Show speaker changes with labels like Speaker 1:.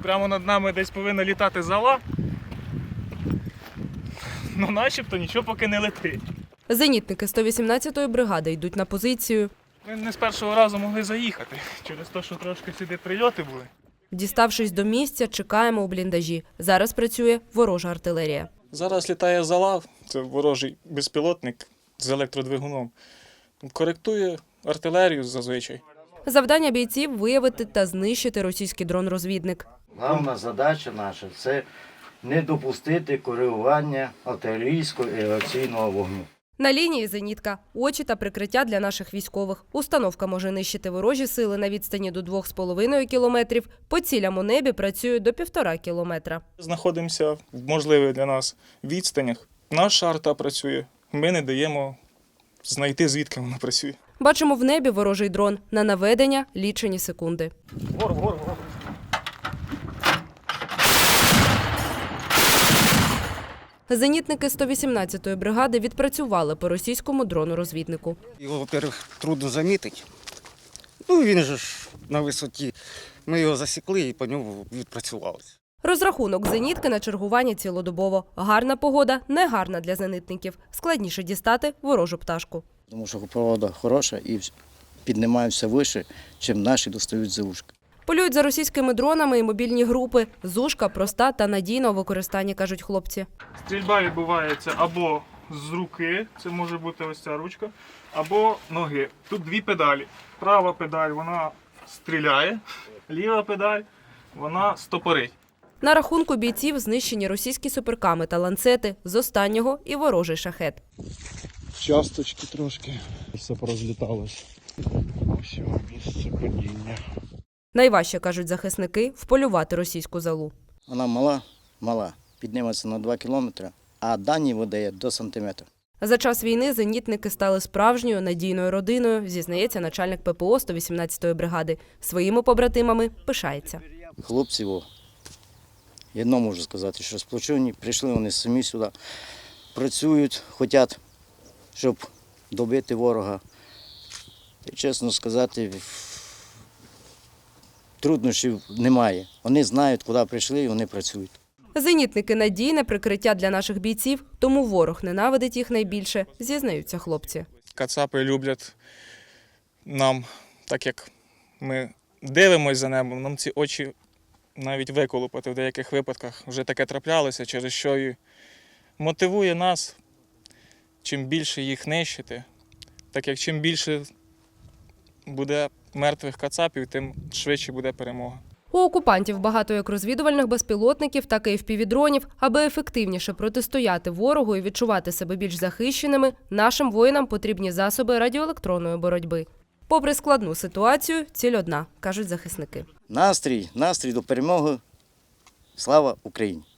Speaker 1: прямо над нами десь повинна літати зала. Ну начебто нічого поки не летить.
Speaker 2: Зенітники 118-ї бригади йдуть на позицію.
Speaker 1: Ми не з першого разу могли заїхати, через те, що трошки сюди прильоти були.
Speaker 2: Діставшись до місця, чекаємо у бліндажі. Зараз працює ворожа артилерія.
Speaker 1: Зараз літає зала, це ворожий безпілотник з електродвигуном. Коректує артилерію зазвичай.
Speaker 2: Завдання бійців – виявити та знищити російський дрон-розвідник.
Speaker 3: Головна задача наша – це не допустити коригування артилерійського і авіаційного вогню.
Speaker 2: На лінії зенітка – очі та прикриття для наших військових. Установка може нищити ворожі сили на відстані до 2,5 кілометрів. По цілям у небі працює до 1,5 кілометра.
Speaker 1: Знаходимося в можливих для нас відстанях. Наша арта працює, ми не даємо знайти, звідки вона працює.
Speaker 2: Бачимо в небі ворожий дрон. На наведення – лічені секунди.
Speaker 1: Вгору.
Speaker 2: Зенітники 118-ї бригади відпрацювали по російському дрону-розвіднику.
Speaker 4: Його, во-первых, трудно замітити. Ну, він же ж на висоті. Ми його засікли і по ньому відпрацювали.
Speaker 2: Розрахунок зенітки на чергування цілодобово. Гарна погода – не гарна для зенитників. Складніше дістати ворожу пташку.
Speaker 3: Тому що погода хороша і піднімаємося вище, чим наші достають за ушки.
Speaker 2: Полюють за російськими дронами і мобільні групи. Зушка проста та надійна у використанні, кажуть хлопці.
Speaker 1: Стрільба відбувається або з руки, це може бути ось ця ручка, або ноги. Тут дві педалі. Права педаль, вона стріляє, ліва педаль, вона стопорить.
Speaker 2: На рахунку бійців знищені російські суперками та ланцети, з останнього і ворожий шахет.
Speaker 5: Часточки трошки, все порозліталось. Ось його місце падіння.
Speaker 2: Найважче, кажуть захисники, вполювати російську залу.
Speaker 3: Вона мала, підніметься на 2 кілометри, а дані видає до сантиметра.
Speaker 2: За час війни зенітники стали справжньою надійною родиною, зізнається начальник ППО 118-ї бригади. Своїми побратимами пишається.
Speaker 3: Хлопці, одно можу сказати, що сплочені, прийшли вони самі сюди, працюють, хочуть, щоб добити ворога. І, чесно сказати, труднощів немає. Вони знають, куди прийшли, і вони працюють.
Speaker 2: Зенітники – надійне прикриття для наших бійців, тому ворог ненавидить їх найбільше, зізнаються хлопці.
Speaker 1: Кацапи люблять нам, так як ми дивимося за небом, нам ці очі навіть виколупати в деяких випадках. Вже таке траплялося, через що і мотивує нас, чим більше їх нищити, так як чим більше буде мертвих кацапів, тим швидше буде перемога.
Speaker 2: У окупантів багато як розвідувальних безпілотників, так і FPV-дронів. Аби ефективніше протистояти ворогу і відчувати себе більш захищеними, нашим воїнам потрібні засоби радіоелектронної боротьби. Попри складну ситуацію, ціль одна, кажуть захисники.
Speaker 3: Настрій до перемоги. Слава Україні!